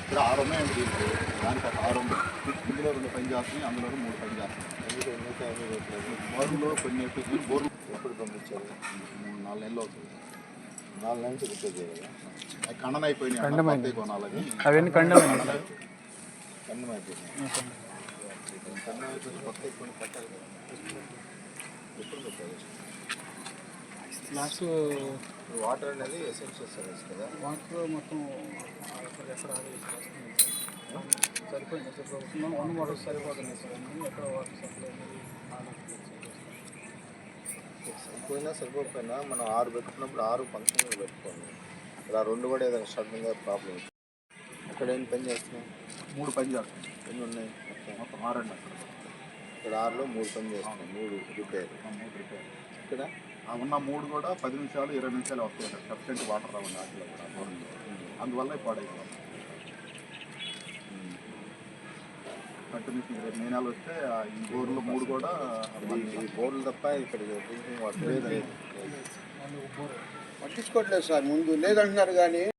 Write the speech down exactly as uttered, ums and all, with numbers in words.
ఇక్కడ ఆరు ఉన్నాయండి దీనికి. దానికి ఒక ఆరు ఉంది. ఇందులో రెండు పని చేస్తున్నాయి, అందులో మూడు పని చేస్తున్నాయి. బోర్లో కొన్ని ఎప్పుడు బోర్లు ఎప్పుడు పంపించారు? మూడు నాలుగు నెలలు అవుతుంది. నాలుగు నెలలు రిపేర్ చేయాలి. అవి ఖండన అయిపోయినాయి, కొనాలని అవన్నీ ఖండం ఖండం అయిపోయినాయి. ఖండం అయిపోయి కొత్త కొన్ని పెట్టాలి కదా. ఎప్పుడు పెట్టాలి? లాస్ట్ వాటర్ అనేది ఎసెన్షియల్ సర్వీస్ కదా. వాటర్ మొత్తం ఎక్కడ సరిపోయింది సార్. వన్ వాటర్ సరిపోతుంది సార్. ఎక్కడ వాటర్ సప్లై సరిపోయినా సరిపోకపోయినా మనం ఆరు పెట్టుకున్నప్పుడు ఆరు ఫంక్షన్లు పెట్టుకోండి. ఇలా రెండు కూడా ఏదైనా సడన్గా ప్రాబ్లం. అక్కడ ఏం పని చేస్తున్నాం? మూడు పని చేస్తున్నాం. ఎన్ని ఉన్నాయి? మొత్తం మొత్తం ఆరు అండి. అక్కడ ఇక్కడ ఆరులో మూడు పని చేస్తున్నాం. మూడు రిపేర్ మూడు రిపేర్ ఇక్కడ ఉన్న మూడు కూడా పది నిమిషాలు ఇరవై నిమిషాలు వస్తాయి. సఫిషియెంట్ వాటర్ రావండి వాటిలో కూడా. అందువల్ల పాడైపోవాలి. కంటిన్యూషన్ రేపు మే నెల వస్తే ఈ బోర్లు మూడు కూడా ఈ బోర్లు తప్ప ఇక్కడ డ్రింకింగ్ వాటర్ లేదు. పట్టించుకోవట్లేదు సార్. ముందు లేదంటున్నారు కానీ